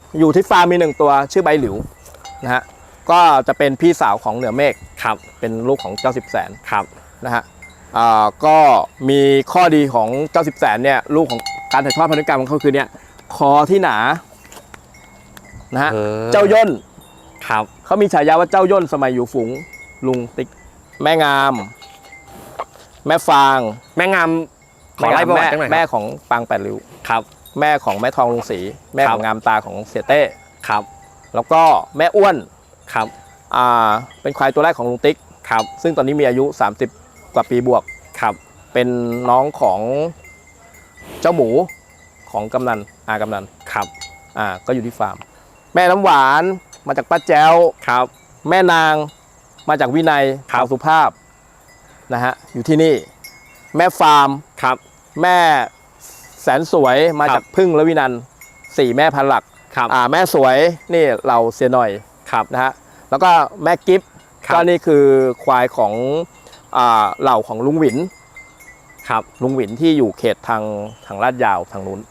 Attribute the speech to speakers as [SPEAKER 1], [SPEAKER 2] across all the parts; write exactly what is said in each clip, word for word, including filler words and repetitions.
[SPEAKER 1] อยู่ที่ฟาร์มมีหนึ่งตัวชื่อใบหลิวนะฮะก็จะเป็นพี่สาวของเหนือเมฆครับเป็นลูกของเจ้าสิบแสนครับนะฮะอ่าก็มีข้อดีของเจ้าสิบแสนเนี่ยลูกของการถ่ายทอดพันธุกรรมของเขาคือเนี่ยคอที่หนานะฮะเจ้าย่นครับเขามีฉายาว่าเจ้าย่นสมัยอยู่ฝูงลุงติ๊กแม่งามแม่ฟางแม่งามขอไล่แม่แม่ของปางแปดริ้วครับแม่ของแม่ทองลุงศรีแม่ของงามตาของเสียเต้ครับแล้วก็แม่อ้วนครับอ่าเป็นควายตัวแรกของลุงติ๊กครับซึ่งตอนนี้มีอายุสามสิบกว่าปีบวกครับเป็นน้องของเจ้าหมูของกำนันอากำนันครับอ่าก็อยู่ที่ฟาร์มแม่น้ำหวานมาจากป้าแจ้วครับแม่นางมาจากวินัยขาวสุภาพนะฮะอยู่ที่นี่แม่ฟาร์มครับแม่แสนสวยมาจากพึ่งและวินันสี่แม่พันหลักครับอ่าแม่สวยนี่เราเสียหน่อยครับนะฮะแล้วก็แม่กิฟก็นี่คือควายของอ่าเหล่าของลุงหวินครับลุงหวินที่อยู่เขตทางทางลาดยาวทางนู้น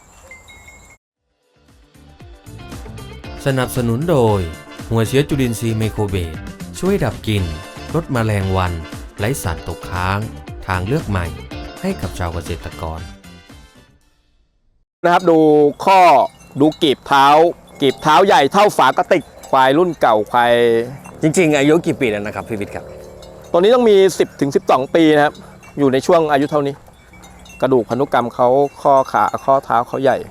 [SPEAKER 2] สนับสนุนโดยหัวเชื้อจุลินทรีย์ไมโครเบสช่วยดับกลิ่นลดแมลงวันไร้สารตกค้างทางเลือกใหม่ให้กับชาวเกษตรกร
[SPEAKER 1] นะครับดูข้อดูกีบเท้ากีบเท้าใหญ่เท่าฝากระติกควายรุ่นเก่าควาย
[SPEAKER 3] จริงๆอายุกี่ปีแล้วนะครับพี่วิทย์ครับ
[SPEAKER 1] ตัวนี้ต้องมี สิบถึงสิบสอง ปีนะครับอยู่ในช่วงอายุเท่านี้กระดูกพันธุกรรมเขาข้อขาข้อเท้าเขาใหญ่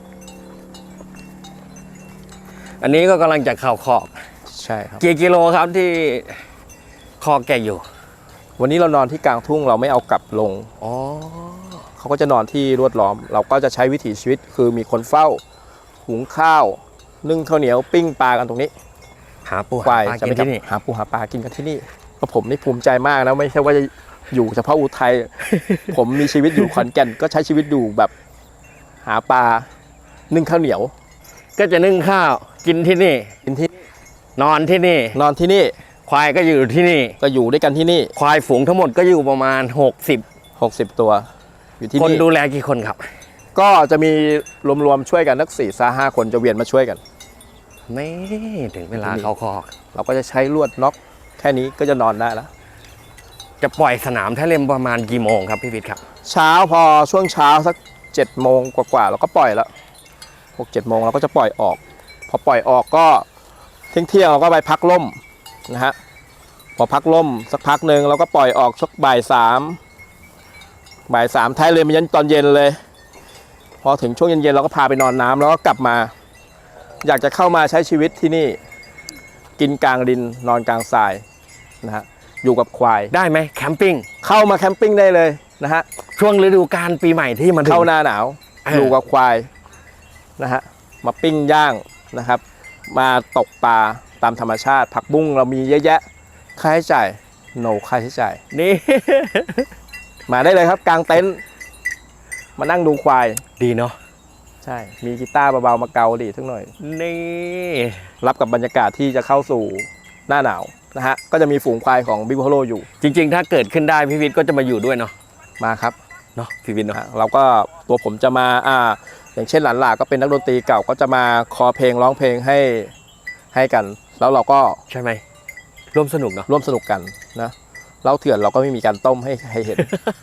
[SPEAKER 3] อันนี้ก็กำลังจะเข้าคอก
[SPEAKER 1] ใช่ครับ
[SPEAKER 3] กี่กิโลครับที่คอกแกอยู่
[SPEAKER 1] วันนี้เรานอนที่กลางทุ่งเราไม่เอากลับลง
[SPEAKER 3] อ๋อ
[SPEAKER 1] เขาก็จะนอนที่รวดล้อมเราก็จะใช้วิถีชีวิตคือมีคนเฝ้าหุงข้าวนึ่งข้าวเหนียวปิ้งปลากันตรงนี้
[SPEAKER 3] หาปู
[SPEAKER 1] หาปลากินที่นี่หาปูหาปลากินกันที่นี่ก็ผมนี่ภูมิใจมากนะไม่ใช่ว่าจะอยู่เฉพาะอุทัย ผมมีชีวิตอยู่ขอนแก่นก็ใช้ชีวิตอยู่แบบหาปลานึ่งข้าวเหนียว
[SPEAKER 3] ก็จะนึ่งข้าวกินที่นี่
[SPEAKER 1] กินที่
[SPEAKER 3] นอนที่นี่
[SPEAKER 1] นอนที่นี่
[SPEAKER 3] ควายก็อยู่ที่นี่
[SPEAKER 1] ก็อยู่ด้วยกันที่นี่
[SPEAKER 3] ควายฝูงทั้งหมดก็อยู่ประมาณหกสิบ
[SPEAKER 1] หกสิบตัวอยู่ที่นี่
[SPEAKER 3] คนดูแลกี่คนครับ
[SPEAKER 1] ก็จะมีรวมๆช่วยกันนักสี่ซาห้าคนจะเวียนมาช่วยกัน
[SPEAKER 3] ไม่ถึงเวลาเข้าคอก
[SPEAKER 1] เราก็จะใช้ลวดน็อกแค่นี้ก็จะนอนได้แล้ว
[SPEAKER 3] จะปล่อยสนามท่าเล่มประมาณกี่โมงครับพี่วิทย์ครับ
[SPEAKER 1] เช้าพอช่วงเช้าสักเจ็ดโมงกว่าๆเราก็ปล่อยแล้วหกเจ็ดโมงเราก็จะปล่อยออกพอปล่อยออกก็เที่ยงเที่ยงเราก็ไปพักล่มนะฮะพอพักล่มสักพักหนึ่งเราก็ปล่อยออกสักบ่ายสามบ่ายสามท้ายเลยมันยันตอนเย็นเลยพอถึงช่วงเย็นๆเราก็พาไปนอนน้ำแล้วก็กลับมาอยากจะเข้ามาใช้ชีวิตที่นี่กินกลางดินนอนกลางทรายนะฮะอยู่กับควาย
[SPEAKER 3] ได้ไหมแคมปิ้ง
[SPEAKER 1] เข้ามาแคมปิ้งได้เลยนะฮะ
[SPEAKER 3] ช่วงฤดูกาลปีใหม่ที่มัน
[SPEAKER 1] เข้าหน้าหนาวอยู่กับควายนะฮะมาปิ้งย่างนะครับมาตกปลาตามธรรมชาติผักบุ้งเรามีเยอะแยะค่าใช้จ่ายโนค่าใช้จ่าย
[SPEAKER 3] นี่
[SPEAKER 1] มาได้เลยครับกลางเต็นท์มานั่งดูควาย
[SPEAKER 3] ดีเนาะ
[SPEAKER 1] ใช่มีกีตาร์เบาๆมาเกาดีสักหน่อย
[SPEAKER 3] นี่
[SPEAKER 1] รับกับบรรยากาศที่จะเข้าสู่หน้าหนาวนะฮะก็จะมีฝูงควายของบิ๊กโฮโลอยู่
[SPEAKER 3] จริงๆถ้าเกิดขึ้นได้พี่วิทย์ก็จะมาอยู่ด้วยเนาะ
[SPEAKER 1] มาครับ
[SPEAKER 3] เนาะพี่วิทย์เนาะ
[SPEAKER 1] เราก็ตัวผมจะมาอ่าอย่างเช่นหลานหลาก็เป็นนักดนตรีเก่าก็จะมาคอเพลงร้องเพลงให้ให้กันแล้วเราก็
[SPEAKER 3] ใช่ไหมร่วมสนุกเนาะ
[SPEAKER 1] ร่วมสนุกกันนะเล่าเถื่อนเราก็ไม่มีการต้มให้ให้เห็น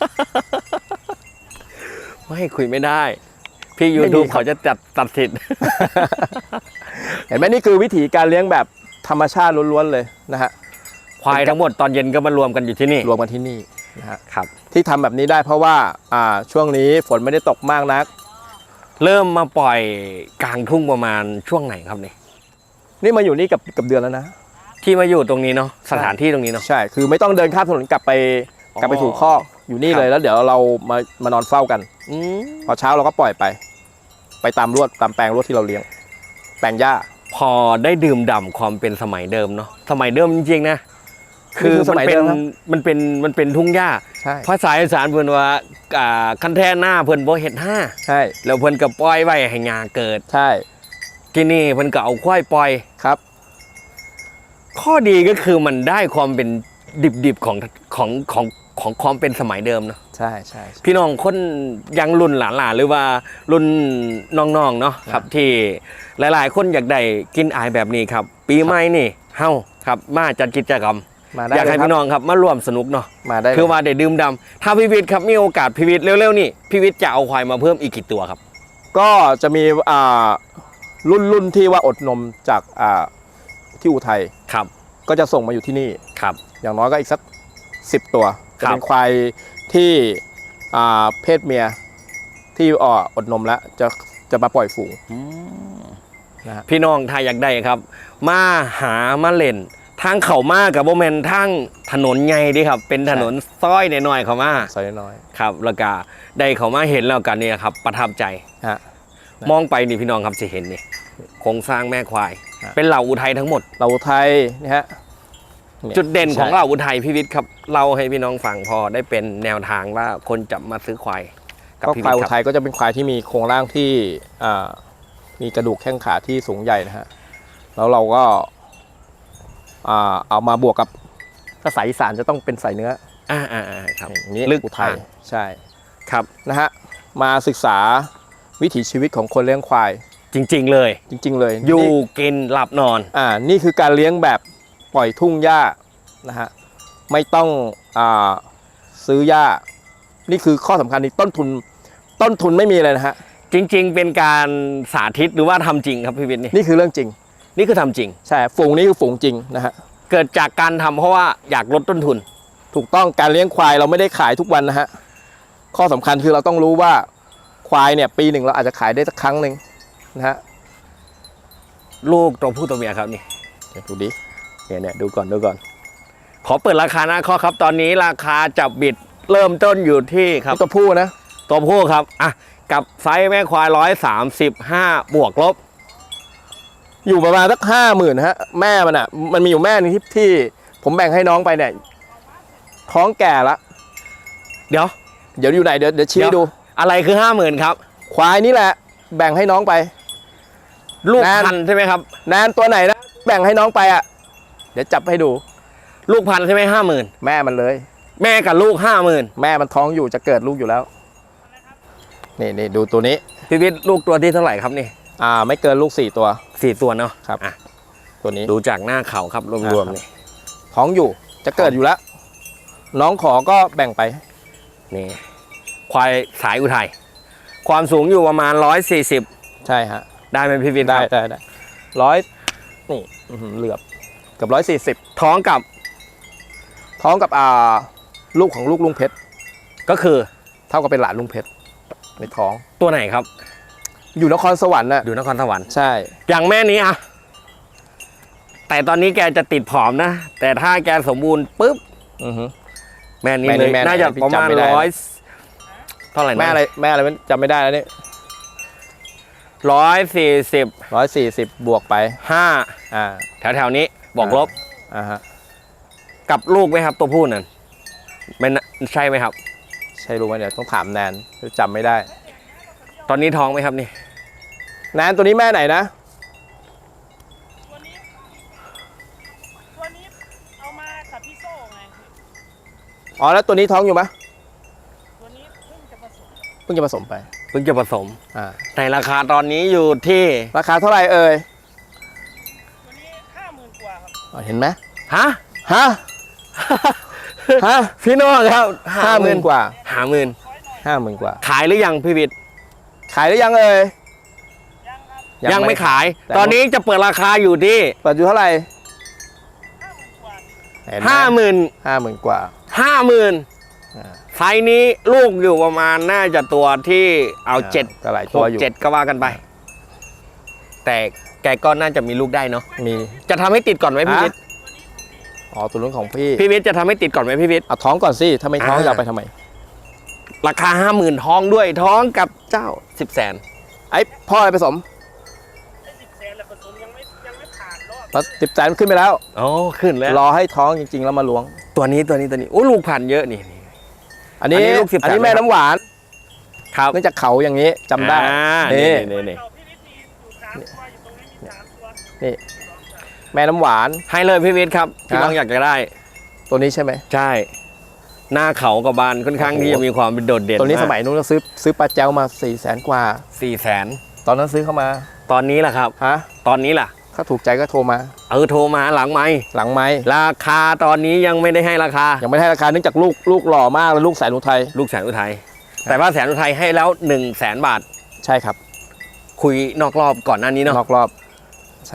[SPEAKER 3] ไม่คุยไม่ได้พี่ยูทูบเขาจะจัดตัดสิทธิ์
[SPEAKER 1] เห็นไหมนี่คือวิธีการเลี้ยงแบบธรรมชาติล้วนๆเลยนะฮะ
[SPEAKER 3] ควายทั้งหมดตอนเย็นก็มารวมกันอยู่ที่นี่
[SPEAKER 1] รวมกันที่นี่นะฮะครับที่ทำแบบนี้ได้เพราะว่าอ่าช่วงนี้ฝนไม่ได้ตกมากนัก
[SPEAKER 3] เริ่มมาปล่อยกลางทุ่งประมาณช่วงไหนครับนี่
[SPEAKER 1] นี่มาอยู่นี่กับกับเดือนแล้วนะ
[SPEAKER 3] ที่มาอยู่ตรงนี้เนาะสถานที่ตรงนี้เนาะ
[SPEAKER 1] ใช่คือไม่ต้องเดินข้ามถนนกลับไปกลับไปถูกข้ออยู่นี่เลยแล้วเดี๋ยวเรามามานอนเฝ้ากันพอเช้าเราก็ปล่อยไปไปตามลวดตามแปลงลวดที่เราเลี้ยงแปลงหญ้า
[SPEAKER 3] พอได้ดื่มด่ำความเป็นสมัยเดิมเนาะสมัยเดิมจริงๆนะคือมันเป็นมันเป็นมันเป็นทุ่งหญ้าภาษาอีสานเพิ่นว่าคันแท่หน้าเพิ่นบ่เฮ็ดห้า
[SPEAKER 1] ใช่
[SPEAKER 3] แล้วเพิ่นก็ปล่อยไว้ให้หญ้าเกิด
[SPEAKER 1] ใช่
[SPEAKER 3] ที่นี่เพิ่นก็เอาควายปล่อย
[SPEAKER 1] ครับ
[SPEAKER 3] ข้อดีก็คือมันได้ความเป็นดิบๆของของของของความเป็นสมัยเดิมเนาะ
[SPEAKER 1] ใช่ใช่ใช่
[SPEAKER 3] พี่น้องคนยังรุ่นหลานๆหรือว่ารุ่นน้องๆเนาะครับที่หลายๆ คนอยากได้กินอายแบบนี้ครับ ปีใหม่นี่เฮาครับมาจัดกิจกรรม
[SPEAKER 1] มาได้
[SPEAKER 3] อยากให้
[SPEAKER 1] เลยครับ
[SPEAKER 3] พี่น้องครับมาร่วมสนุกเนาะ
[SPEAKER 1] มาได้เลย
[SPEAKER 3] คือว่าได้ดื่มด่ำถ้าพี่วิทย์ครับมีโอกาสพี่วิทย์เร็วๆนี่พี่วิทย์จะเอาควายมาเพิ่มอีกกี่ตัวครับ
[SPEAKER 1] ก็จะมีอ่ารุ่นรุ่นที่ว่าอดนมจากอ่าที่อุทัย
[SPEAKER 3] ครับ
[SPEAKER 1] ก็จะส่งมาอยู่ที่นี่
[SPEAKER 3] ครับ
[SPEAKER 1] อย่างน้อยก็อีกสักสิบตัว
[SPEAKER 3] ค
[SPEAKER 1] จะ
[SPEAKER 3] รับ
[SPEAKER 1] เป็นควายที่อ่าเพศเมียที่อ่ออดนมแล้วจะจะมาปล่อยฝูงนะฮะ
[SPEAKER 3] พี่น้องถ้าอยากได้ครับ มาหามาเล่นทางเขามากับโบแมนทางถนนใหญ่เดิครับ เป็นถนนซอยหน่อยๆเขามา
[SPEAKER 1] ซอยน้อย
[SPEAKER 3] ครับแล้วก็ได้เขามาเห็นแล้วกันเนี่ยครับประทับใจ
[SPEAKER 1] ๆฮะ
[SPEAKER 3] มองไปนี่พี่น้องครับจะเห็นนี่โครงสร้างแม่ควาย
[SPEAKER 1] ฮะ
[SPEAKER 3] เป็นเหล่าอุทัยทั้งหมด
[SPEAKER 1] เราอุทัยนี่ฮะย
[SPEAKER 3] จุดเด่นของ
[SPEAKER 1] ใช่
[SPEAKER 3] เหล่าอุทัยพี่วิทย์ครับเล่าให้พี่น้องฟังพอได้เป็นแนวทางว่าคนจะมาซื้อควายกับ
[SPEAKER 1] ก็
[SPEAKER 3] พี่
[SPEAKER 1] ควายอุ
[SPEAKER 3] วิทย์ค
[SPEAKER 1] ทั
[SPEAKER 3] รับ
[SPEAKER 1] ยก็จะเป็นควายที่มีโครงร่างที่อ่ามีกระดูกแข้งขาที่สูงใหญ่นะฮะแล้วเราก็อ่าเอามาบวกกับถ้าสายอีสานจะต้องเป็นสายเนื้อ
[SPEAKER 3] อ่าอ่าอ่าครับ
[SPEAKER 1] อย่างนี้
[SPEAKER 3] ลึก
[SPEAKER 1] อุทัย
[SPEAKER 3] อ่ะ
[SPEAKER 1] ใช่
[SPEAKER 3] ครับ
[SPEAKER 1] นะฮะมาศึกษาวิถีชีวิตของคนเลี้ยงควาย
[SPEAKER 3] จริง ๆ เลย
[SPEAKER 1] จริง ๆ เลย
[SPEAKER 3] อยู่
[SPEAKER 1] นี่
[SPEAKER 3] กินหลับนอน
[SPEAKER 1] อ่านี่คือการเลี้ยงแบบปล่อยทุ่งหญ้านะฮะไม่ต้องอ่าซื้อหญ้านี่คือข้อสำคัญนี่ต้นทุนต้นทุนไม่มีเลยนะฮะ
[SPEAKER 3] จริง ๆ เป็นการสาธิตหรือว่าทำจริงครับพี่วิทย์นี่
[SPEAKER 1] นี่คือเรื่องจริง
[SPEAKER 3] นี่คือทำจริง
[SPEAKER 1] ใช่ฝูงนี้คือฝูงจริงนะฮะ
[SPEAKER 3] เกิดจากการทำเพราะว่าอยากลดต้นทุน
[SPEAKER 1] ถูกต้องการเลี้ยงควายเราไม่ได้ขายทุกวันนะฮะข้อสำคัญคือเราต้องรู้ว่าควายเนี่ยปีหนึ่งเราอาจจะขายได้สักครั้งหนึ่งนะฮะ
[SPEAKER 3] ลูกตัวผู้ตัวเมียครับนี่
[SPEAKER 1] เดี๋ยวดูดิ
[SPEAKER 3] เนี่ยเนี่ยดูก่อนดูก่อน ขอเปิดราคาหน้าข้อครับ ตอนนี้ราคาจับบิดเริ่มต้นอยู่ที่ครับ
[SPEAKER 1] ตัวผู้นะ
[SPEAKER 3] ตัวผู้ครับอ่ะกับไซส์แม่ควายร้อยสามสิบห้าบวกลบ
[SPEAKER 1] อยู่ประมาณสักห้าหมื่นฮะแม่มันอ่ะมันมีอยู่แม่หนึงที่ที่ผมแบ่งให้น้องไปเนี่ยท้องแก่ละ
[SPEAKER 3] เดี๋ยว
[SPEAKER 1] เดี๋ยวอยู่ไหนเดี๋ยวเดี๋ยวชี้ให้ดู
[SPEAKER 3] อะไรคือห้าหมื่นครับ
[SPEAKER 1] ควายนี่แหละแบ่งให้น้องไป
[SPEAKER 3] ลูก
[SPEAKER 1] แนน
[SPEAKER 3] พันธุ์ใช่ไหมครับ
[SPEAKER 1] แนนตัวไหนนะแบ่งให้น้องไปอ่ะเดี๋ยวจับให้ดู
[SPEAKER 3] ลูกพันธุ์ใช่ไหมห้าหมื่น
[SPEAKER 1] แม่มันเลย
[SPEAKER 3] แม่กับลูกห้าหมื่น
[SPEAKER 1] แม่มันท้องอยู่จะเกิดลูกอยู่แล้วนี่นี่ดูตัวนี้
[SPEAKER 3] พี่วิทย์ลูกตัวที่เท่าไหร่ครับนี่
[SPEAKER 1] อ่าไม่เกินลูกสี่ตัว
[SPEAKER 3] สี่ตัวเนาะ
[SPEAKER 1] ครับ
[SPEAKER 3] อ่ะ
[SPEAKER 1] ตัวนี้
[SPEAKER 3] ดูจากหน้าเขาครับรวมๆนี่
[SPEAKER 1] ท้องอยู่จะเกิดอยู่แล้ว น้องขอก็แบ่งไป
[SPEAKER 3] นี่ควายสายอุทัยความสูงอยู่ประมาณร้อยสี่สิบ
[SPEAKER 1] ใช่ฮะ
[SPEAKER 3] ได้ไหมพี่วิทย์
[SPEAKER 1] ได้
[SPEAKER 3] ครับ
[SPEAKER 1] ได้ได้ร้อยนี่อื้อหือเหลือบเกับร้อยสี่สิบ
[SPEAKER 3] ท้องกับ
[SPEAKER 1] ท้องกับอ่าลูกของลูกลุงเพชร
[SPEAKER 3] ก็คือ
[SPEAKER 1] เท่ากับเป็นหลานลุงเพชรในท้อง
[SPEAKER 3] ตัวไหนครับ
[SPEAKER 1] อยู่นครสวรรค์น่ะ
[SPEAKER 3] อยู่นครสวรรค์
[SPEAKER 1] ใช่
[SPEAKER 3] อย่างแม่นี้อะแต่ตอนนี้แกจะติดผอมนะ แต่ถ้าแกสมบูรณ์ปุ๊บ
[SPEAKER 1] อือหือ
[SPEAKER 3] แม่นี้
[SPEAKER 1] แม่นี้
[SPEAKER 3] เลย
[SPEAKER 1] แม่ไหน
[SPEAKER 3] น่าจะ
[SPEAKER 1] พี่
[SPEAKER 3] ประมาณ
[SPEAKER 1] จำไม่ได้
[SPEAKER 3] ร้อยเท่าไหร่นะ
[SPEAKER 1] แม่อะไรแม่อะไรไม่จำไม่ได้แล้วนี่
[SPEAKER 3] ร้อยสี่สิบ
[SPEAKER 1] ร้อยสี่สิบบวกไป
[SPEAKER 3] ห้า
[SPEAKER 1] อ่า
[SPEAKER 3] แถวๆนี้บอกลบ
[SPEAKER 1] อ่าฮะ
[SPEAKER 3] กับลูกไหมครับ ตัวผู้นั่นไม่น่าใช่ไหมครับ
[SPEAKER 1] ใช่รู้ไหมเดี๋ยวต้องถามแนนจำไม่ได้
[SPEAKER 3] ตอนนี้ท้องไหมครับนี่
[SPEAKER 1] แนนตัวนี้แม่ไหนนะ
[SPEAKER 4] ตัวนี้ตัวนี้เอามากับพี่โซ่ไง
[SPEAKER 1] อ๋อแล้วตัวนี้ท้องอยู่ไหม
[SPEAKER 4] ตัวนี้เพิ่งจะผสม
[SPEAKER 1] เพิ่งจะผสมไป
[SPEAKER 3] เพิ่งจะผสม
[SPEAKER 1] อ่า
[SPEAKER 3] ในราคาตอนนี้อยู่ที่
[SPEAKER 1] ราคาเท่าไหร่เอ่ย
[SPEAKER 4] ตัวนี้ห้าหมื่นกว่าครับ
[SPEAKER 1] อ๋อเห็นไหม
[SPEAKER 3] ฮะ
[SPEAKER 1] ฮะฮะ
[SPEAKER 3] พี่น้องครับ
[SPEAKER 1] ห้าหมื่นกว่า
[SPEAKER 3] ห้าหมื่น
[SPEAKER 1] ห้าหมื่นกว่า
[SPEAKER 3] ขายหรือยังพี่วิทย์
[SPEAKER 1] ขายหรือยังเอ่ย
[SPEAKER 4] ยังครับ
[SPEAKER 3] ยังไม่ขาย
[SPEAKER 1] แต่
[SPEAKER 3] ตอนนี้จะเปิดราคาอยู่ที่
[SPEAKER 1] เปิดอยู่เท่าไหร่
[SPEAKER 4] ห้าหมื่นกว่า
[SPEAKER 3] ห้าหมื่น
[SPEAKER 1] ห้าหมื่นกว่า
[SPEAKER 3] ห้าหมื่น
[SPEAKER 1] อ่า
[SPEAKER 3] ไซส์นี้ลูกอยู่ประมาณน่าจะตัวที่เอาเจ็ด
[SPEAKER 1] ก็หลาย
[SPEAKER 3] ห
[SPEAKER 1] ตัว
[SPEAKER 3] ก
[SPEAKER 1] อยู่
[SPEAKER 3] เจ็ดก็ว่ากันไป แต่แกก็น่าจะมีลูกได้เนาะ
[SPEAKER 1] มี
[SPEAKER 3] จะทำให้ติดก่อนไหมพี่
[SPEAKER 1] อ่ะ
[SPEAKER 3] วิทย์
[SPEAKER 1] อ๋อตัวนู้นของพี่
[SPEAKER 3] พี่วิทย์จะทำให้ติดก่อนไหมพี่วิทย์
[SPEAKER 1] เอาท้องก่อนสิถ้าไม่ท้อง
[SPEAKER 3] อ่า
[SPEAKER 1] จะเอาไปทำไม
[SPEAKER 3] ราคาห้าหมื่นท้องด้วยท้องกับเจ้าสิบแสน
[SPEAKER 1] ไอ้พ่ออะไรผสม
[SPEAKER 4] ได้สิบแสนแล้วผสมยังไม่ยังไม่ผ่านรอบ
[SPEAKER 1] มาสิบแสนขึ้นไปแล้ว
[SPEAKER 3] โอ้ขึ้นแล้ว
[SPEAKER 1] รอให้ท้องจริง ๆ แล้วมาล้วง
[SPEAKER 3] ตัวนี้ตัวนี้ตัวนี้โอ้ลูกพันธุ์เยอะนี่นี่
[SPEAKER 1] อันนี้
[SPEAKER 3] อันนี้ลูกสิบแสน
[SPEAKER 1] อันนี้แม่น้ำหวาน
[SPEAKER 3] ครับ
[SPEAKER 1] เนื่องจากเขาอย่างนี้จำได้
[SPEAKER 3] อ่า
[SPEAKER 1] นี่
[SPEAKER 3] นี่นี่
[SPEAKER 4] เก่าพี่วิทย์มีอยู่สามตัวอยู่ตรงนี้มีสามตัว
[SPEAKER 1] นี่แม่น้ำหวาน
[SPEAKER 3] ให้เลยพี่วิทย์ครับที่
[SPEAKER 1] ฮะ
[SPEAKER 3] น้องอยากจะได้
[SPEAKER 1] ตัวนี้ใช่ไหม
[SPEAKER 3] ใช่หน้าเขากับบานค่อนข้างที่จะมีความเป็นโดดเด่น
[SPEAKER 1] ตัวนี้สมัยนู้นเราซื้อซื้อปลาแจวมาสี่แสนกว่า
[SPEAKER 3] สี่แสน
[SPEAKER 1] ตอนนั้นซื้อเข้ามา
[SPEAKER 3] ตอนนี้ล่ะครับ
[SPEAKER 1] ฮะ
[SPEAKER 3] ตอนนี้ล่ะ
[SPEAKER 1] ถ้าถูกใจก็โทรมา
[SPEAKER 3] เออโทรมาหลังไมค์
[SPEAKER 1] หลังไม้
[SPEAKER 3] ราคาตอนนี้ยังไม่ได้ให้ราคา
[SPEAKER 1] ยังไม่ให้ราคาเนื่องจากลูกลูกหล่อมากแล้วลูกแสนอุทัย
[SPEAKER 3] ลูกแสนอุทัยแต่ว่าแสนอุทัยให้แล้วหนึ่งแสนบาท
[SPEAKER 1] ใช่ครับ
[SPEAKER 3] คุยนอกรอบก่อนหน้านี้เนาะ
[SPEAKER 1] นอกรอบใช่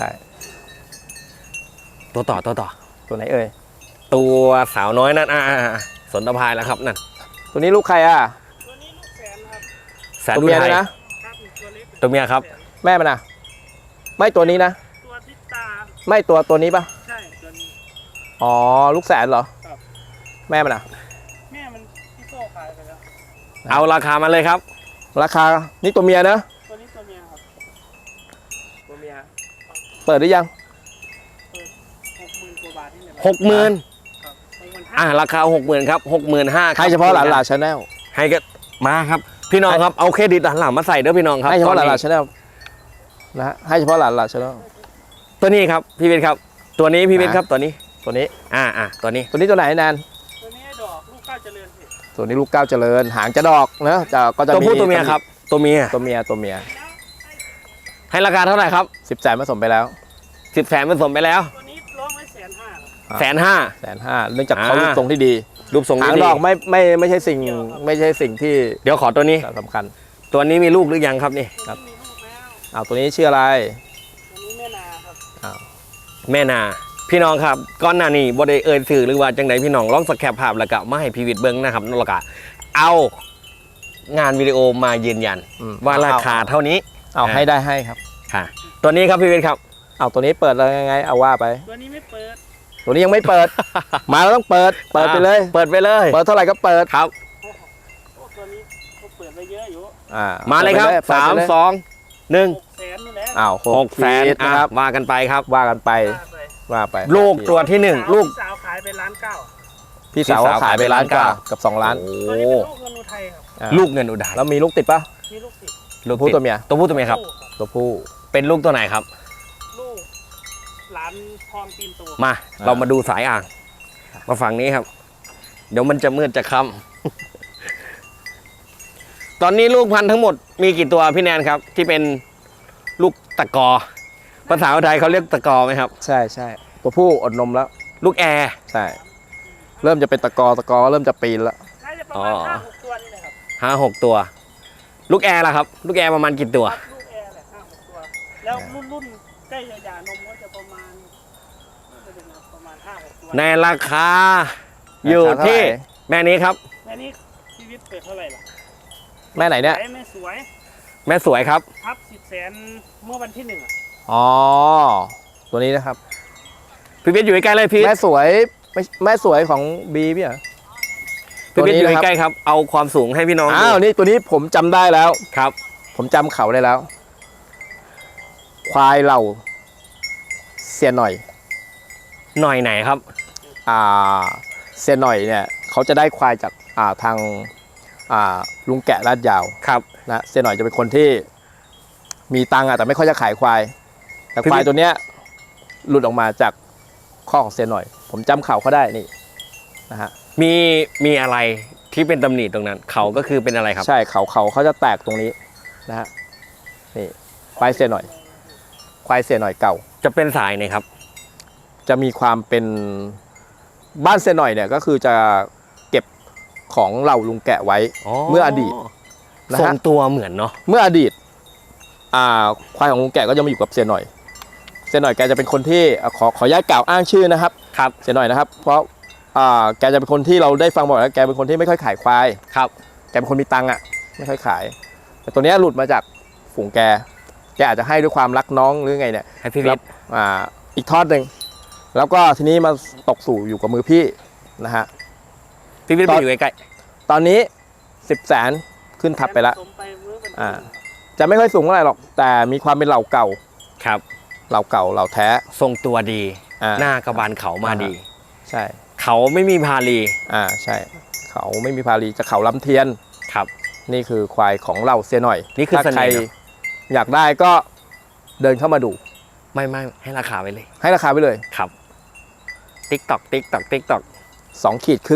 [SPEAKER 3] ตัวต่อตัวต่อ
[SPEAKER 1] ตัวไหนเอ่ย
[SPEAKER 3] ตัวสาวน้อยนั่นอ่าสนตภายแล้วครับนั่น
[SPEAKER 1] ตัวนี้ลูกใครอ่ะ
[SPEAKER 4] ตัวนี้ลูกแสนครับ
[SPEAKER 3] แสน
[SPEAKER 1] ตัว
[SPEAKER 3] อุ
[SPEAKER 1] เมีย
[SPEAKER 3] ทั
[SPEAKER 1] เลย ยนะ
[SPEAKER 4] ครับตัวเล็ก
[SPEAKER 3] ตัวเมียครับ
[SPEAKER 1] แม่มันอ่ะไม่ตัวนี้นะ
[SPEAKER 4] ตัวทิศตา
[SPEAKER 1] ไม่ตัวตัวนี้ปะ
[SPEAKER 4] ใช่ตัวนี้
[SPEAKER 1] อ๋อลูกแสนเหรอ
[SPEAKER 4] ครับ
[SPEAKER 1] แม่มันอ่ะ
[SPEAKER 4] แม่มันพี่โซ่ขายไปแล้ว
[SPEAKER 3] เอาราคามาเลยครับ
[SPEAKER 1] ราคานี่ตัวเมียนะ
[SPEAKER 4] ตัวนี้ตัวเมียครับ
[SPEAKER 1] ตัวเมียเปิดหรือยัง
[SPEAKER 4] หกหมื่นกว่าบาทนี่แหละ
[SPEAKER 3] หกหมื่น
[SPEAKER 4] ครับหกหมื่น
[SPEAKER 3] อ่า
[SPEAKER 4] ห้า
[SPEAKER 3] ราคาหกหมื่นครับหกหมื่นห้า
[SPEAKER 1] ให้เฉพาะหลานหลานชาแนล
[SPEAKER 3] ให้ก็มาครับ พี่น้องครับเอาเครดิตหลานหลานมาใส่เด้อพี่น้องครับ
[SPEAKER 1] ให้เฉพาะหลานหลาน
[SPEAKER 3] ตอ
[SPEAKER 1] ชาแนลนะฮะให้เฉพาะหลานหลานชาแนล
[SPEAKER 3] ตัวนี้ครับพี่เวทครับ ตัวนี้พี่เวทครับตัวนี้
[SPEAKER 1] ตัวนี้
[SPEAKER 3] อ่าอ่าตัวนี้
[SPEAKER 1] ตัวนี้ตัวไหนแนน
[SPEAKER 4] ตัวนี้ให้ดอกลูกก้าวเจริญสิ
[SPEAKER 1] ตัวนี้ลูกก้าวเจริญหางจะดอกนะจะก็จะ
[SPEAKER 3] ตัว
[SPEAKER 1] มี
[SPEAKER 3] ผู้ตัวเมียครับ ตัวเมีย
[SPEAKER 1] ตัวเมียตัวเมีย
[SPEAKER 3] ให้ราคาเท่าไหร่ครับ
[SPEAKER 1] สิบแสนผสมไปแล้ว
[SPEAKER 3] สิบแสนผสมไปแล้ว
[SPEAKER 4] ตัวนี้ร้องไว้แสนห้า
[SPEAKER 1] อ่า
[SPEAKER 3] แสนห้า
[SPEAKER 1] แสนห้าเนื่องจากเขา
[SPEAKER 3] อ่า
[SPEAKER 1] รูปทรงที่ดี
[SPEAKER 3] รูปทรง
[SPEAKER 1] หาง
[SPEAKER 3] ดี
[SPEAKER 1] ดอกไม่ไม่ไม่ใช่สิ่งไม่ใช่สิ่งที่
[SPEAKER 3] เดี๋ยวขอตัวนี้
[SPEAKER 1] สำคัญ
[SPEAKER 3] ตัวนี้มีลูกหรือยังครับนี่
[SPEAKER 4] ตัวนี้มีลูกแล้ว
[SPEAKER 1] อ้าวตัวนี้ชื่ออะไร
[SPEAKER 4] ตัวนี้แม่นาครับ
[SPEAKER 1] อ้าว
[SPEAKER 3] แม่นาพี่น้องครับก้อนหน้านี้บ่ได้เอ่ยสื่อหรือว่าจังไดพี่น้องลองสแคปภาพแล้วก็มาให้พีวิทย์เบิ้งนะครับนั่นแหละก็เอางานวิดีโอมายืนยัน
[SPEAKER 1] อืม
[SPEAKER 3] ว่าราคาเท่านี้
[SPEAKER 1] เอาให้ได้ให้ครับ
[SPEAKER 3] ค่ะ ตัวนี้ครับพี่วิทย์ครับ
[SPEAKER 1] เอาตัวนี้เปิดแล้วยังไงเอาว่าไป
[SPEAKER 4] ตัวนี้ไม่เปิด
[SPEAKER 1] ตัวนี้ยังไม่เปิด มาแล้วต้องเปิดเปิดไปเลย
[SPEAKER 3] เปิดไปเลย
[SPEAKER 1] เปิดเท่าไหร่ก็เปิด
[SPEAKER 3] ครับ
[SPEAKER 4] โอ้ตัวนี้ก็เปิดไปเยอะอยู่
[SPEAKER 1] อ่า
[SPEAKER 3] มาเลยครับ
[SPEAKER 1] ปิดไป
[SPEAKER 3] สาม
[SPEAKER 1] เปิดไปเลย
[SPEAKER 3] สองหนึ่ง
[SPEAKER 4] หกแสนนี่แหละ
[SPEAKER 1] อ้าว
[SPEAKER 3] หกแสน
[SPEAKER 1] ขีดนะครับ
[SPEAKER 3] ว่ากันไปครับ
[SPEAKER 1] ว่ากันไป
[SPEAKER 4] ว่าไป
[SPEAKER 1] ว่าไป
[SPEAKER 3] ลูกตัวที่หนึ่งลูก
[SPEAKER 4] พี่สาวขายไปล้านเก้า
[SPEAKER 1] พี่สาวเขาขายไปล้านกว่ากับสองล้าน
[SPEAKER 3] โอ้
[SPEAKER 4] ตัวนี้เป็นลูกเงินอุทัยครับ
[SPEAKER 1] อ่า
[SPEAKER 3] ลูกเงินอุดา
[SPEAKER 1] แล้วมีลูกติดปะ
[SPEAKER 4] มีลูกติด
[SPEAKER 3] ลูก
[SPEAKER 1] ผู้
[SPEAKER 3] ติด
[SPEAKER 1] ตัวเมีย
[SPEAKER 3] ตัวผู้ตัวเมียครับ
[SPEAKER 4] ลูก
[SPEAKER 1] ตัวผู้
[SPEAKER 3] เป็นลูกตัวไหนครับ
[SPEAKER 4] ลูกหลานทองตีนโต
[SPEAKER 3] มา เรามาดูสายอ่าง มาฝั่งนี้ครับ เดี๋ยวมันจะมืดจะค่ำ ตอนนี้ลูกพันธุ์ทั้งหมดมีกี่ตัวพี่แนนครับ ที่เป็นลูกตะกอ ภาษาไทยเขาเรียกตะกอไหมครับ
[SPEAKER 1] ใช่ใช่ตัวผู้อดนมแล้ว
[SPEAKER 3] ลูกแอร์
[SPEAKER 1] ใช่เริ่มจะเป็นตะกอตะกอเริ่มจะปีนแล้ว
[SPEAKER 4] น่าจะประมาณ
[SPEAKER 3] อ๋อ
[SPEAKER 4] ห้าหกตัวนี่แหละครับ
[SPEAKER 3] ห้าหกตัว ลูกแอร์ล่ะครับ ลูกแอร์ประมาณกี่ตัว
[SPEAKER 4] ครับลูกแอร์แหละห้าหกตัว แล้วรุ่นรุ่นใกล้จะหย่านมก็จะประมาณน่าจะเป็นประมาณห้าหกตัว
[SPEAKER 3] ในราคา อยู่ที่แม่นี้ครับ
[SPEAKER 4] แม่นี้ชีวิตเปิดเท่าไหร่ล่ะ
[SPEAKER 1] แม่ไหนเนี่ย
[SPEAKER 4] ไอ้แม่สวย
[SPEAKER 3] แม่สวยครับ
[SPEAKER 4] ทับสิบแสนเมื่อวันที่หนึ่งอะ
[SPEAKER 1] อ๋อตัวนี้นะครับ
[SPEAKER 3] พี่วิทย์อยู่ใกล้ๆเลยพี่
[SPEAKER 1] แม่สวยไม่แม่สวยของบีพี่เหรอ
[SPEAKER 3] พี่วิทย์อยู่
[SPEAKER 1] ตัวนี้นะครับ
[SPEAKER 3] ใกล้ๆครับ เอาความสูงให้พี่น้องดู
[SPEAKER 1] อ้าวนี่ตัวนี้ผมจำได้แล้ว
[SPEAKER 3] ครับ
[SPEAKER 1] ผมจำเขาได้แล้ว ควายเหล่าเสียหน่อย
[SPEAKER 3] หน่อยไหนครับ
[SPEAKER 1] อ่าเสียหน่อยเนี่ยเขาจะได้ควายจากอ่าทางอ่าลุงแกะลาดยาว
[SPEAKER 3] ครับ
[SPEAKER 1] นะเสียหน่อยจะเป็นคนที่มีตังค์อะแต่ไม่ค่อยจะขายควาย แต่
[SPEAKER 3] คือ
[SPEAKER 1] ควายตัวเนี้ยหลุดออกมาจากข้อของเสียหน่อย ผมจำเขาเขาได้นี่นะฮะ
[SPEAKER 3] มีมีอะไรที่เป็นตำหนิตรงนั้น เขาก็คือเป็นอะไรครับ
[SPEAKER 1] ใช่เขาเขาเขาจะแตกตรงนี้นะฮะนี่ควายเสียหน่อย ควายเสียหน่อยเก่า
[SPEAKER 3] จะเป็นสายไหนครับ
[SPEAKER 1] จะมีความเป็นบ้านเสียหน่อยเนี่ยก็คือจะเก็บของเหล่าลุงแกะไว้ เมื่ออดีตนะ
[SPEAKER 3] ทร
[SPEAKER 1] ฮะ
[SPEAKER 3] งตัวเหมือนเนาะ
[SPEAKER 1] เมื่ออดีตอ่าควายของลุงแกะก็จะมาอยู่กับเสียหน่อย เสียหน่อยแกจะเป็นคนที่อ่ะขอขออนุญาตกล่าวอ้างชื่อนะครับ
[SPEAKER 3] ครับ
[SPEAKER 1] เสียหน่อยนะครับ เพราะอ่าแกจะเป็นคนที่เราได้ฟังบ่อยแล้วแกเป็นคนที่ไม่ค่อยขายควาย
[SPEAKER 3] ครับ
[SPEAKER 1] แกเป็นคนมีตังค์อ่ะไม่ค่อยขาย แต่ตัวเนี้ยหลุดมาจากฝูงแกแกอาจจะให้ด้วยความรักน้องหรือไงเนี่ย
[SPEAKER 3] ให้พี่วิทย์
[SPEAKER 1] อ่าอีกทอดหนึ่งแล้วก็ทีนี้มาตกสู่อยู่กับมือพี่นะฮะ
[SPEAKER 3] พี่วิทย์
[SPEAKER 1] ต
[SPEAKER 3] ไป
[SPEAKER 1] อน
[SPEAKER 3] อยู่ใกล้
[SPEAKER 1] ตอนนี้สิบแสนขึ้นทับไปแล้ว
[SPEAKER 4] สมไปเมื่อวันที่
[SPEAKER 1] อ่าจะไม่ค่อยสูงเท่าไหร่หรอกแต่มีความเป็นเหล่าเก่า
[SPEAKER 3] ๆครับ
[SPEAKER 1] เหล่าเก่าเหล่าแท้
[SPEAKER 3] ทรงตัวดี
[SPEAKER 1] อ่า
[SPEAKER 3] หน้ากระบาลเขามาดี
[SPEAKER 1] ใช่
[SPEAKER 3] เขาไม่มีพาลี
[SPEAKER 1] อ่าใช่ เขาไม่มีพาลีจะเขาลำเทียน
[SPEAKER 3] ครับ
[SPEAKER 1] นี่คือควายของเราเสียหน่อย
[SPEAKER 3] นี่คือ
[SPEAKER 1] ถ้า
[SPEAKER 3] เสน่ห์
[SPEAKER 1] ใคร
[SPEAKER 3] เนอะ
[SPEAKER 1] อยากได้ก็เดินเข้ามาดู
[SPEAKER 3] ไม่ไม่ให้ราคาไว้เลย
[SPEAKER 1] ให้ราคาไปเลย
[SPEAKER 3] ครับติ๊กตอกติ๊กตอกติ๊กตอก
[SPEAKER 1] สองขีดครึ่ง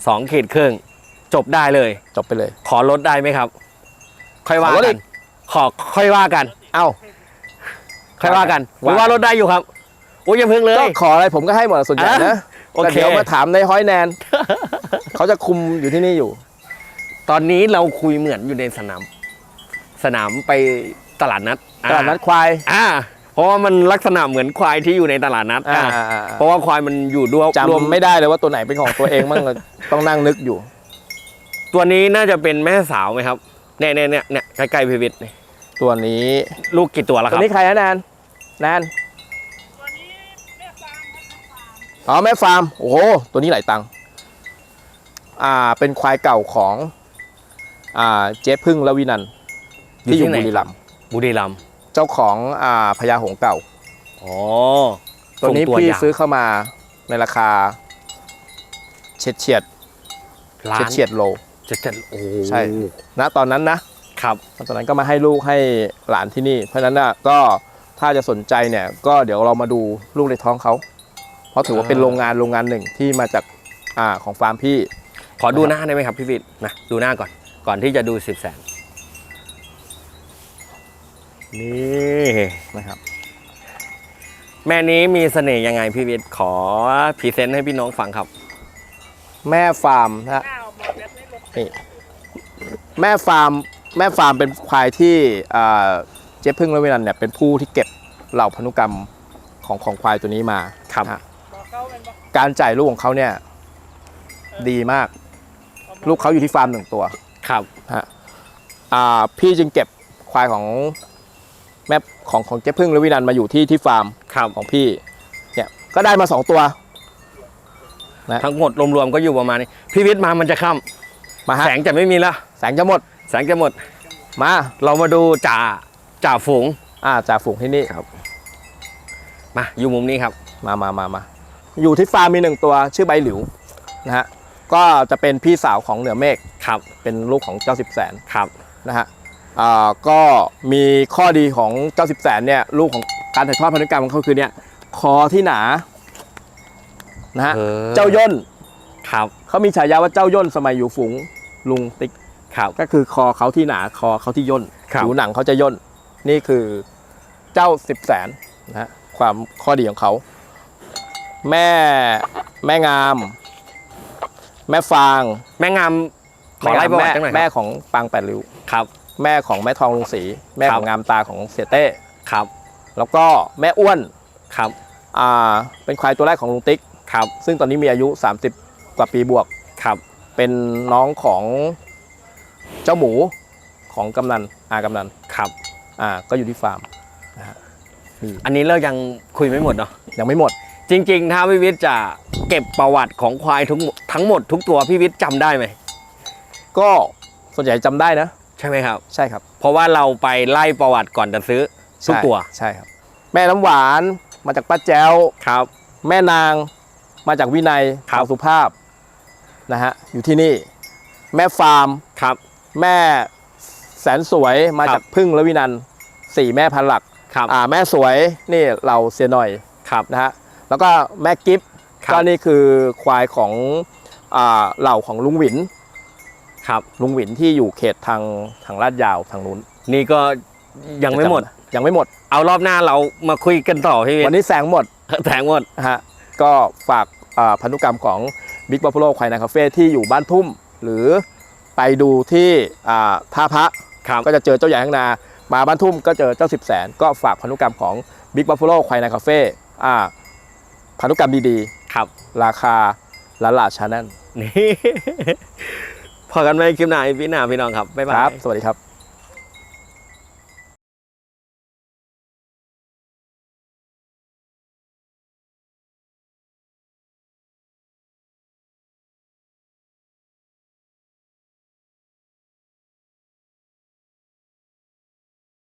[SPEAKER 3] สองขีดครึ่งจบได้เลย
[SPEAKER 1] จบไปเลย
[SPEAKER 3] ขอลดได้ไหมครับ ค่อยว่า
[SPEAKER 1] ขอลด
[SPEAKER 3] กั
[SPEAKER 1] อี
[SPEAKER 3] น
[SPEAKER 1] ก
[SPEAKER 3] ขอค่อยว่ากัน
[SPEAKER 1] เอ้า
[SPEAKER 3] ค่อยว่ากันห
[SPEAKER 1] ว่า
[SPEAKER 3] รือว่าลดได้อยู่ครับโอ้ยอย่าเพิ่งเลย
[SPEAKER 1] ก็ขออะไรผมก็ให้หมดส่วนใหญ่
[SPEAKER 3] อ่ะ
[SPEAKER 1] นะ
[SPEAKER 3] โอเค
[SPEAKER 1] แต่เดี๋ยวมาถามในห้อยแนน เขาจะคุมอยู่ที่นี่อยู่
[SPEAKER 3] ตอนนี้เราคุยเหมือนอยู่ในสนาม สนามไปตลาดนัด
[SPEAKER 1] ตลาดนัดควาย
[SPEAKER 3] อ่าเพราะว่ามันลักษณะเหมือนควายที่อยู่ในตลาดนัด
[SPEAKER 1] อ่า
[SPEAKER 3] อ่าเพราะว่าควายมันอยู่ด้วยรวม
[SPEAKER 1] จำไม่ได้เลยว่าตัวไหนเป็นของตัวเองบ้าง ต้องนั่งนึกอยู่
[SPEAKER 3] ตัวนี้น่าจะเป็นแม่สาวไหมครับเนี่ยเนี่ยเนี่ยเนี่ยใกล้ๆพีวิทย์นี่
[SPEAKER 1] ตัวนี้
[SPEAKER 3] ลูกกี่ตัวแล้วค
[SPEAKER 1] ตัว
[SPEAKER 3] รับ
[SPEAKER 1] นี้ใครนะแนนแนน
[SPEAKER 4] ตัวนี้แม่ฟาร์มครับแม่ฟาร์ม
[SPEAKER 1] อ๋อแม่ฟาร์มโอ้โหตัวนี้หลายตังค์อ่าเป็นควายเก่าของอ่าเจ๊พึ่งและวินันท์ที่อยู่บุรีรัมย์
[SPEAKER 3] บุรีรัมย์
[SPEAKER 1] เจ้าของอ่าพญาหงส์เก่า
[SPEAKER 3] อ๋อ
[SPEAKER 1] ตัวนี้
[SPEAKER 3] ส่ง
[SPEAKER 1] พี่
[SPEAKER 3] ยาว
[SPEAKER 1] ซื้อเข้ามาในราคาเฉียดเฉียด
[SPEAKER 3] ล้า
[SPEAKER 1] เฉียด
[SPEAKER 3] น
[SPEAKER 1] เฉียดโล
[SPEAKER 3] จะจะโอ้
[SPEAKER 1] ใช่ ณตอนนั้นนะครับ ตอนนั้นก็มาให้ลูกให้หลานที่นี่ เพราะฉะนั้นน่ะก็ถ้าจะสนใจเนี่ยก็เดี๋ยวเรามาดูลูกในท้องเขาเพราะถือว่าเป็นโรงงานโรงงานหนึ่งที่มาจากอ่าของฟาร์มพี่
[SPEAKER 3] ขอดูหน้าได้ไหมครับพี่วิทย์นะดูหน้าก่อนก่อนที่จะดูสิบแสนนี่
[SPEAKER 1] นะครับ
[SPEAKER 3] แม่นี้มีเสน่ห์ยังไงพี่วิทย์ขอพรีเซนต์ให้พี่น้องฟังครับ
[SPEAKER 1] แม่ฟาร์มนะฮะ
[SPEAKER 4] ข้าวหมดแบบนี้ลง
[SPEAKER 1] นี่แม่ฟาร์มแม่ฟาร์มเป็นควายที่อ่าเจ๊พึ่งและเวนันท์เนี่ยเป็นผู้ที่เก็บเหล่าพันธุกรรมของของควายตัวนี้มา
[SPEAKER 3] ครับ
[SPEAKER 1] นะฮะ
[SPEAKER 4] บอกเขาเป็นบอก
[SPEAKER 1] การจ่ายลูกของเขาเนี่ยดีมาก ลูกเขาอยู่ที่ฟาร์มหนึ่งตัว
[SPEAKER 3] ครับ
[SPEAKER 1] ฮะอ่าพี่จึงเก็บควายของแม่ของของเจ๊พึ่งและวินันท์มาอยู่ที่ที่ฟาร์ม
[SPEAKER 3] ครับ
[SPEAKER 1] ของพี่เนี่ยก็ได้มาสองตัว
[SPEAKER 3] ทั้งหมดรวมๆก็อยู่ประมาณนี้พี่วิทย์มามันจะค่
[SPEAKER 1] มา
[SPEAKER 3] ำ
[SPEAKER 1] ฮะ
[SPEAKER 3] แสงจะไม่มีแล้ว
[SPEAKER 1] แสงจะหมด
[SPEAKER 3] แสงจะหมด
[SPEAKER 1] มา
[SPEAKER 3] เรามาดูจ่าจ่าฝูง
[SPEAKER 1] อ่าจ่าฝูงที่นี่
[SPEAKER 3] มาอยู่มุมนี้ครับ
[SPEAKER 1] มามามามาอยู่ที่ฟาร์มมีหนึ่งตัวชื่อใบหลิวนะฮะก็จะเป็นพี่สาวของเหนือเมฆ
[SPEAKER 3] ครับ
[SPEAKER 1] เป็นลูกของเจ้าสิบแสน
[SPEAKER 3] ครับ
[SPEAKER 1] นะฮะอ่าก็มีข้อดีของเจ้าสิบแสนเนี่ยลูกของการถ่ายทอดพันธุกรรมของเขาคือเนี่ยคอที่หนานะฮะ
[SPEAKER 3] ออ
[SPEAKER 1] เจ้าย่น
[SPEAKER 3] ครับ
[SPEAKER 1] เขามีฉายาว่าเจ้าย่นสมัยอยู่ฝูงลุงติ๊ก
[SPEAKER 3] ครับ
[SPEAKER 1] ก็คือคอเขาที่หนาคอเขาที่ย่น
[SPEAKER 3] ครับ
[SPEAKER 1] ผิวหนังเขาจะย่นนี่คือเจ้าสิบแสนนะฮะความข้อดีของเขา แม่แม่งาม แม่ฟาง
[SPEAKER 3] แม่งามขอไล่ประวัติ
[SPEAKER 1] แม่
[SPEAKER 3] จังหน่อย
[SPEAKER 1] แม่
[SPEAKER 3] ครับ
[SPEAKER 1] ของปางแปดริ้ว
[SPEAKER 3] ครับ
[SPEAKER 1] แม่ของแม่ทองลุงศรีแม่
[SPEAKER 3] ครั
[SPEAKER 1] ข
[SPEAKER 3] บ
[SPEAKER 1] องงามตาของเสียเต้
[SPEAKER 3] ครับ
[SPEAKER 1] แล้วก็แม่อ้วน
[SPEAKER 3] ครับ
[SPEAKER 1] อ่าเป็นควายตัวแรกของลุงติ๊ก
[SPEAKER 3] ครับ
[SPEAKER 1] ซึ่งตอนนี้มีอายุสามสิบกว่าปีบวก
[SPEAKER 3] ครับ
[SPEAKER 1] เป็นน้องของเจ้าหมูของกำนันอากำนัน
[SPEAKER 3] ครับ
[SPEAKER 1] อ่าก็อยู่ที่ฟาร์มนะฮะนี่
[SPEAKER 3] อันนี้เรายังคุยไม่หมดเนาะ
[SPEAKER 1] ยังไม่หมด
[SPEAKER 3] จริงๆ ถ้าพี่วิทย์จะเก็บประวัติของควายทุกทั้งหมดทุกตัวพี่วิทย์จำได้ไหม
[SPEAKER 1] ก็ส่วนใหญ่จำได้นะ
[SPEAKER 3] ใช่ไหมครับ
[SPEAKER 1] ใช่ครับ
[SPEAKER 3] เพราะว่าเราไปไล่ประวัติก่อนจะซื้อทุก
[SPEAKER 1] ใช่
[SPEAKER 3] ตัว
[SPEAKER 1] ใช่ครับ แม่น้ำหวานมาจากป้าแจ้ว
[SPEAKER 3] ครับ
[SPEAKER 1] แม่นางมาจากวินัย
[SPEAKER 3] ครับ
[SPEAKER 1] ข่าวสุภาพนะฮะอยู่ที่นี่ แม่ฟาร์ม
[SPEAKER 3] ครับ
[SPEAKER 1] แม่แสนสวยมา
[SPEAKER 3] ครับ
[SPEAKER 1] จากพึ่งและวินันท์สี่แม่พันหลัก
[SPEAKER 3] ครับ
[SPEAKER 1] อ่าแม่สวยนี่เราเสียหน่อย
[SPEAKER 3] ครับ
[SPEAKER 1] นะฮะแล้วก็แม่กิฟต์
[SPEAKER 3] ครับ
[SPEAKER 1] ก็นี่คือควายของอ่าเหล่าของลุงหวิน
[SPEAKER 3] ครับ
[SPEAKER 1] ลุงหวินที่อยู่เขตทางทางลาดยาวทางนู้น
[SPEAKER 3] นี่ก็ยังไม่หมด
[SPEAKER 1] ยังไม่หมด
[SPEAKER 3] เอารอบหน้าเรามาคุยกันต่อพี่วิท
[SPEAKER 1] วัน
[SPEAKER 3] ย์
[SPEAKER 1] นี้แสงหมด
[SPEAKER 3] แถงหมด
[SPEAKER 1] นะฮะก็ฝากอ่าพันธุกรรมของ Big Buffalo ควายนาคาเฟ่ที่อยู่บ้านทุ่ม หรือไปดูที่อ่าท่าพระ
[SPEAKER 3] ครับ
[SPEAKER 1] ก็จะเจอเจ้าใหญ่ข้างนามาบ้านทุ่มก็เจอเจ้าสิบแสนก็ฝากพันธุกรรมของ Big Buffalo ควายนาคาเฟ่อ่าพันธุกรรมดี
[SPEAKER 3] ครับ
[SPEAKER 1] ๆ ราคาละลาชาแนล
[SPEAKER 3] นี่ พอกันไหมคลิปหน้าพี่หน้าพี่น้องครับบ๊ายบา
[SPEAKER 1] ค
[SPEAKER 3] ย
[SPEAKER 1] รับ สวัสดีครับ